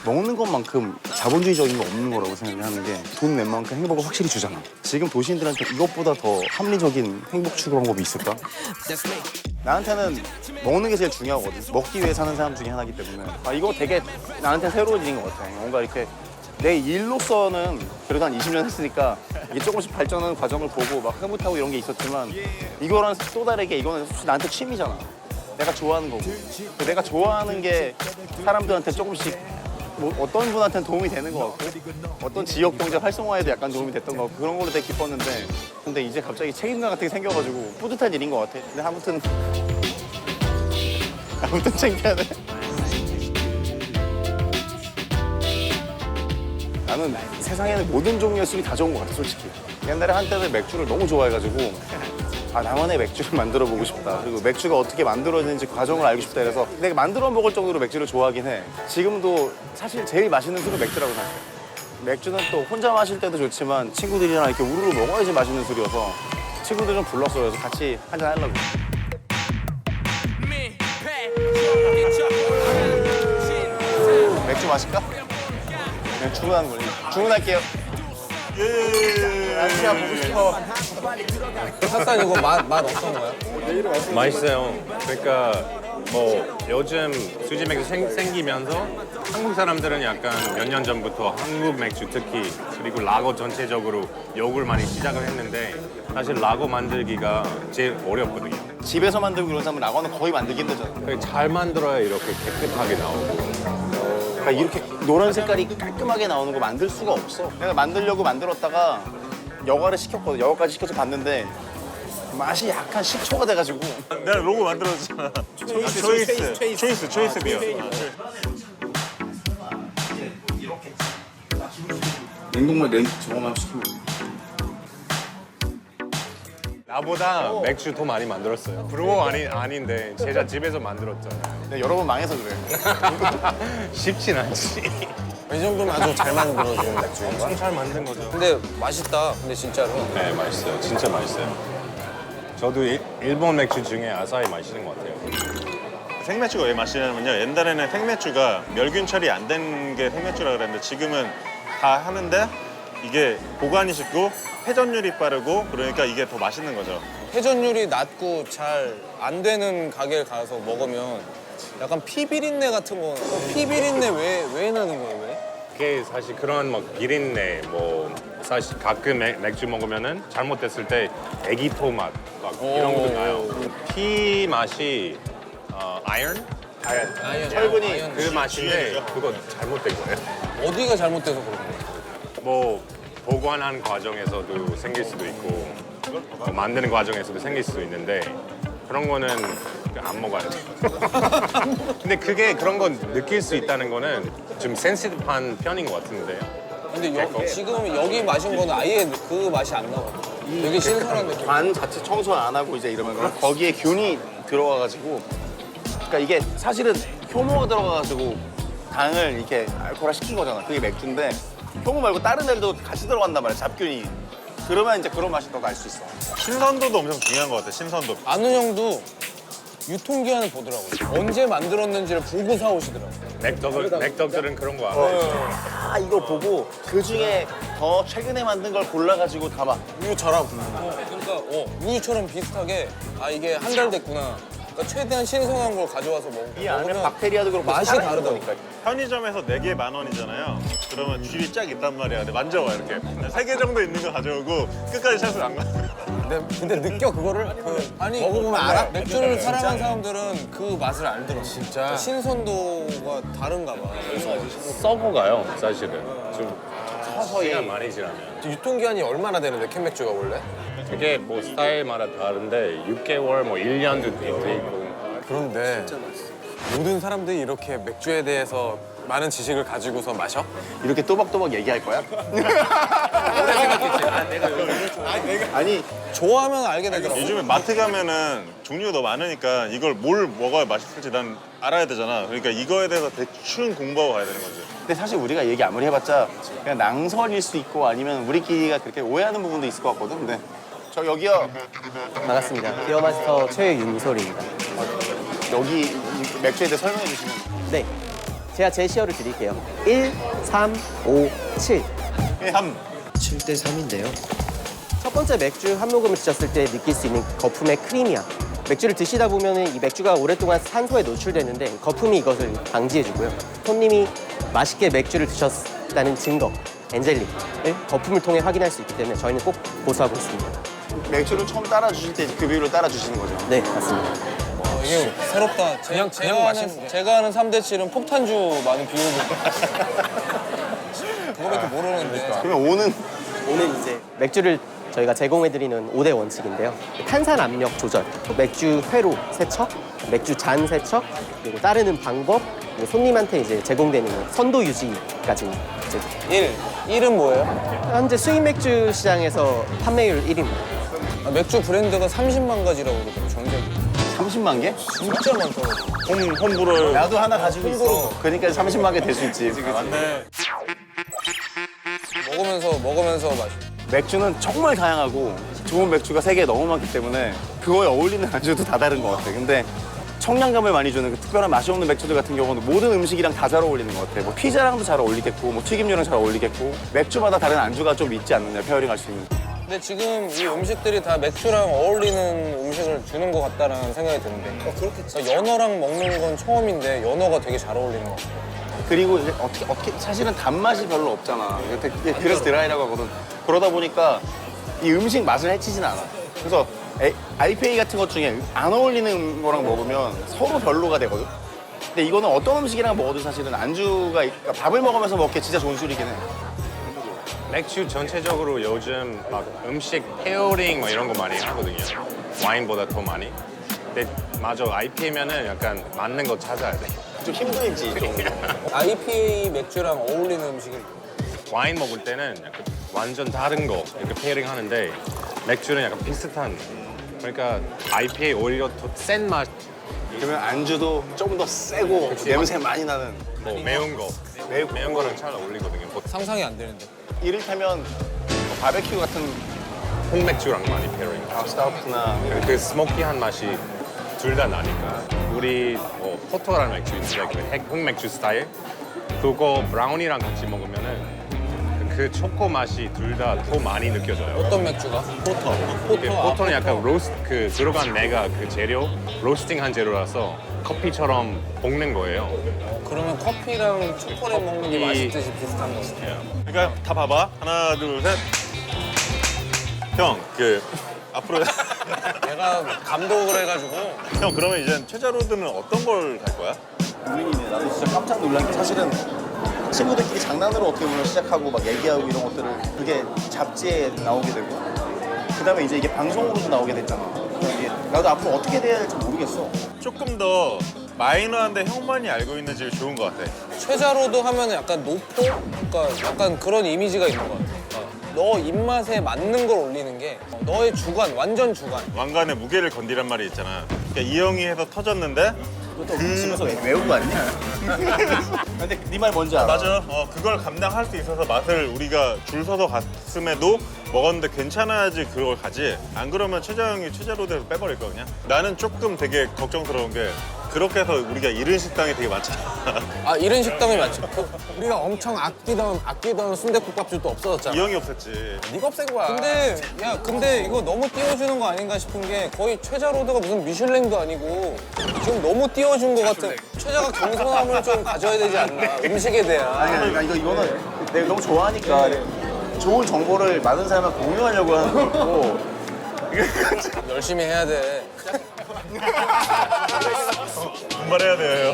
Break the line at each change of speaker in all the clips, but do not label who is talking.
먹는 것만큼 자본주의적인 거 없는 거라고 생각하는 게 돈 낸 만큼 행복을 확실히 주잖아. 지금 도시인들한테 이것보다 더 합리적인 행복 추구 방법이 있을까? 나한테는 먹는 게 제일 중요하거든. 먹기 위해 사는 사람 중에 하나이기 때문에. 이거 되게 나한테 새로운 일인 것 같아. 뭔가 이렇게 내 일로서는 그래도 한 20년 했으니까 이게 조금씩 발전하는 과정을 보고 막 흐뭇하고 이런 게 있었지만 이거랑 또 다르게 이거는 솔직히 나한테 취미잖아. 내가 좋아하는 거고. 내가 좋아하는 게 사람들한테 조금씩 뭐 어떤 분한테는 도움이 되는 것 같고 어떤 지역 경제 활성화에도 약간 도움이 됐던 것 같고 그런 걸로 되게 기뻤는데 근데 이제 갑자기 책임감 같은 게 생겨가지고 뿌듯한 일인 것 같아. 근데 아무튼 창피하네. 나는 세상에는 모든 종류의 술이 다 좋은 것 같아, 솔직히. 옛날에 한때는 맥주를 너무 좋아해가지고 나만의 맥주를 만들어 보고 싶다. 그리고 맥주가 어떻게 만들어지는지 과정을 알고 싶다 해서 내가 만들어 먹을 정도로 맥주를 좋아하긴 해. 지금도 사실 제일 맛있는 술은 맥주라고 생각해. 맥주는 또 혼자 마실 때도 좋지만 친구들이랑 이렇게 우르르 먹어야지 맛있는 술이어서 친구들 좀 불렀어요. 그래서 같이 한잔 하려고. 맥주 마실까? 그냥 주문하는 거지. 주문할게요. 아시아 보고 싶어.
핫산 이거 맛 어떤 거야?
맛있어요. 그러니까 뭐 요즘 수지 맥주 생기면서 한국 사람들은 약간 몇 년 전부터 한국 맥주 특히 그리고 라거 전체적으로 욕을 많이 시작을 했는데 사실 라거 만들기가 제일 어렵거든요.
집에서 만들고 그런 사람은 라거는 거의 만들기 힘들잖아.
그러니까 잘 만들어야 이렇게 깨끗하게 나오고.
그러니까 이렇게 노란 색깔이 깔끔하게 나오는 거 만들 수가 없어. 내가 만들려고 만들었다가 여과를 시켰거든. 여과까지 시켜서 봤는데 맛이 약간 식초가 돼가지고.
내가 로고 만들어줬잖아. 초이스 비어.
냉동물 저거만 시키면 돼.
나보다 맥주 더 많이 만들었어요. 브루어 아닌데 제가 집에서 만들었잖아요.
내가 여러 번 망해서 그래.
쉽진 않지.
이 정도면 아주 잘 만들어지는 맥주인 거야?
엄청 잘 만든 거죠.
근데 맛있다. 근데 진짜로.
네, 맛있어요. 진짜 맛있어요. 저도 일본 맥주 중에 아사히 맛있는 것 같아요.
생맥주가 왜 맛있냐면요. 옛날에는 생맥주가 멸균 처리 안 된 게 생맥주라 그랬는데 지금은 다 하는데 이게 보관이 쉽고 회전율이 빠르고 그러니까 이게 더 맛있는 거죠.
회전율이 낮고 잘 안 되는 가게를 가서 먹으면 약간 피비린내 같은 거. 피비린내 왜 나는 거예요? 왜?
그게 사실 그런 뭐 비린내 뭐 사실 가끔 맥주 먹으면은 잘못됐을 때 애기포 맛 막 이런 것도 나요. 피 맛이 아이언?
철분이
아이언.
그 맛인데 그거 잘못된 거예요.
어디가 잘못돼서 그런 거야?
뭐 보관하는 과정에서도 생길 수도 있고 뭐 만드는 과정에서도 생길 수도 있는데 그런 거는 안 먹어야 돼. 근데 그게 그런 건 느낄 수 있다는 거는 좀 센시티브한 편인 것 같은데.
근데 지금 여기 마신 거는 아예 그 맛이 안 나거든. 되게 신선한 느낌.
관 자체 청소 안 하고 이제 이러면 거기에 균이 들어가가지고 그러니까 이게 사실은 효모가 들어가가지고 당을 이렇게 알코올화 시킨 거잖아. 그게 맥주인데 효모 말고 다른 애들도 같이 들어간단 말이야. 잡균이. 그러면 이제 그런 맛이 더 날 수 있어.
신선도도 엄청 중요한 것 같아. 신선도.
아는 형도 유통기한을 보더라고요. 언제 만들었는지를 보고 사오시더라고요.
맥덕들은 그런 거 알아요.
이거 보고 그 중에 더 최근에 만든 걸 골라가지고 담아.
우유처럼. 그러니까 우유처럼 비슷하게 이게 한 달 됐구나. 그러니까 최대한 신선한 걸 가져와서
이 안에
먹으면
박테리아도 그렇고
맛이
살아있는
다르다니까.
거니까.
편의점에서 4개 10,000원이잖아요. 그러면 줄이 쫙 있단 말이야. 근데 만져봐 이렇게. 3개 정도 있는 거 가져오고 끝까지 샷을 안 가.
근데 느껴 그거를? 아니 먹어보면 알아? 맥주를 사랑하는 사람들은 그 맛을 알더라고. 진짜. 신선도가 다른가 봐.
썩어가요, 사실은. 좀 시간 많이 지나면.
유통기한이 얼마나 되는데 캔맥주가 원래?
그게 뭐 스타일마다 다른데 6개월, 뭐 1년도 있고.
그런데 모든 사람들이 이렇게 맥주에 대해서 많은 지식을 가지고서 마셔?
이렇게 또박또박 얘기할 거야? 아니
좋아하면 알게 되더라고.
요즘에 마트 가면은 종류가 너무 많으니까 이걸 뭘 먹어야 맛있을지 난 알아야 되잖아. 그러니까 이거에 대해서 대충 공부하고 가야 되는 거지.
근데 사실 우리가 얘기 아무리 해봤자 그냥 낭설일 수 있고 아니면 우리끼리가 그렇게 오해하는 부분도 있을 것 같거든. 근데 저 여기요.
반갑습니다. 기어마스터 최윤솔입니다.
여기 이 맥주에 대해 설명해 주시면.
네. 제가 제시어를 드릴게요. 1, 3, 5, 7.
3.
7대 3인데요.
첫 번째 맥주 한 모금을 드셨을 때 느낄 수 있는 거품의 크리미함. 맥주를 드시다 보면 이 맥주가 오랫동안 산소에 노출되는데 거품이 이것을 방지해주고요. 손님이 맛있게 맥주를 드셨다는 증거, 엔젤링을 거품을 통해 확인할 수 있기 때문에 저희는 꼭 고수하고 있습니다.
맥주를 처음 따라 주실 때 그 비율로 따라 주시는 거죠.
네, 맞습니다.
이게 새롭다. 제가 아는 3대 7은 폭탄주 많은 비율을. 그거밖에 모르는데.
그러면 오는
오늘 이제 맥주를 저희가 제공해드리는 5대 원칙인데요. 탄산 압력 조절, 맥주 회로 세척, 맥주 잔 세척, 그리고 따르는 방법, 그리고 손님한테 이제 제공되는 선도 유지까지 이제
1은 뭐예요?
현재 수입 맥주 시장에서 판매율 1위입니다.
아, 맥주 브랜드가 30만 가지라고 그러더라고, 전적이.
30만 개?
진짜 많더라고.
홈브를.
나도 하나 가지고 있어. 그러니까 30만 개 될 수 있지.
맞네.
먹으면서 마시.
맥주는 정말 다양하고 좋은 맥주가 세계에 너무 많기 때문에 그거에 어울리는 안주도 다 다른 것 같아. 근데 청량감을 많이 주는 그 특별한 맛이 없는 맥주들 같은 경우는 모든 음식이랑 다 잘 어울리는 것 같아. 뭐 피자랑도 잘 어울리겠고, 뭐 튀김류랑 잘 어울리겠고, 맥주마다 다른 안주가 좀 있지 않느냐, 페어링 할 수 있는.
근데 지금 이 음식들이 다 맥주랑 어울리는 음식을 주는 것 같다라는 생각이 드는데. 그렇겠지. 연어랑 먹는 건 처음인데 연어가 되게 잘 어울리는 것 같아.
그리고 이제 어떻게 사실은 단맛이 별로 없잖아. 그래서 드라이라고 하거든. 그러다 보니까 이 음식 맛을 해치진 않아. 그래서 IPA 같은 것 중에 안 어울리는 거랑 먹으면 서로 별로가 되거든. 근데 이거는 어떤 음식이랑 먹어도 사실은 안주가 그러니까 밥을 먹으면서 먹기 진짜 좋은 술이긴 해.
맥주 전체적으로 요즘 막 음식 페어링 뭐 이런 거 많이 하거든요. 와인보다 더 많이. 근데 맞아, IPA면은 약간 맞는 거 찾아야 돼.
좀 힘들지. 좀.
IPA 맥주랑 어울리는 음식을.
와인 먹을 때는 약간 완전 다른 거 이렇게 페어링 하는데 맥주는 약간 비슷한. 그러니까 IPA 오히려 더 센 맛,
그러면 안주도 조금 더 세고 냄새 많이 나는.
뭐 매운 거, 매운 거랑 잘 어울리거든요. 보통
상상이 안 되는데.
이를테면 바베큐 같은
홍맥주랑 많이 페어링.
스타우트나
그 스모키한 맛이 둘 다 나니까. 우리 포토라는 맥주 있는데 그 흑맥주 스타일 그거 브라운이랑 같이 먹으면은 그 초코 맛이 둘 다 더 많이 느껴져요.
어떤 맥주가? 포터.
포토는 약간 로스트 그 들어간 내가 그 재료 로스팅한 재료라서 커피처럼 볶는 거예요.
그러면 커피랑 초콜릿 먹는 게 맛있듯이 비슷한 거지.
그러니까 다 봐봐. 하나, 둘, 셋. 형, 앞으로.
내가 감독을 해가지고.
형, 그러면 이제 최자로드는 어떤 걸 갈 거야?
고민이네. 나도 진짜 깜짝 놀란 게 사실은 친구들끼리 장난으로 어떻게 보면 시작하고 막 얘기하고 이런 것들을 그게 잡지에 나오게 되고 그다음에 이제 이게 방송으로도 나오게 됐잖아. 그래서 이게 나도 앞으로 어떻게 돼야 할지 모르겠어.
조금 더 마이너한데 형만이 알고 있는 집이 좋은 것 같아.
최자로드 하면 약간 노포? 그러니까 약간 그런 이미지가 있는 것 같아. 너 입맛에 맞는 걸 올리는 게 너의 주관, 완전 주관.
왕관의 무게를 건디란 말이 있잖아. 그러니까 이 형이 해서 터졌는데
또 집에서 외운 거 아니야? 근데 네 말 뭔지 알아?
맞아. 그걸 감당할 수 있어서 맛을 우리가 줄 서서 갔음에도 먹었는데 괜찮아야지 그걸 가지. 안 그러면 최자 형이 최자로드에서 빼버릴 거 그냥. 나는 조금 되게 걱정스러운 게 그렇게 해서 우리가 잃은 식당이 되게 많잖아.
아, 이런 식당이 많죠. 우리가 엄청 아끼던 순댓국밥집도 없어졌잖아.
이 형이 없었지.
네가 없앤 거야. 근데 이거 너무 띄워주는 거 아닌가 싶은 게 거의 최자로드가 무슨 미슐랭도 아니고 지금 너무 띄워준 것 같은. 최자가 겸손함을 좀 가져야 되지 않나, 음식에 대한.
아니 그러니까 이거는 내가 너무 좋아하니까 좋은 정보를 많은 사람한테 공유하려고 하는 거고
열심히 해야 돼.
분발해야 돼요.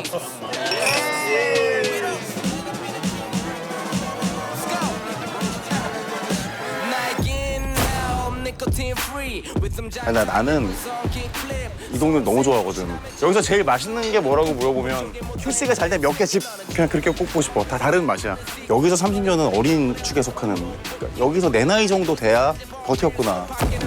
나는 이 동네 너무 좋아하거든. 여기서 제일 맛있는 게 뭐라고 물어보면 QC가 잘 된 몇 개 집 그냥 그렇게 꼽고 싶어. 다 다른 맛이야. 여기서 30년은 어린 축에 속하는. 그러니까 여기서 내 나이 정도 돼야 버텼구나.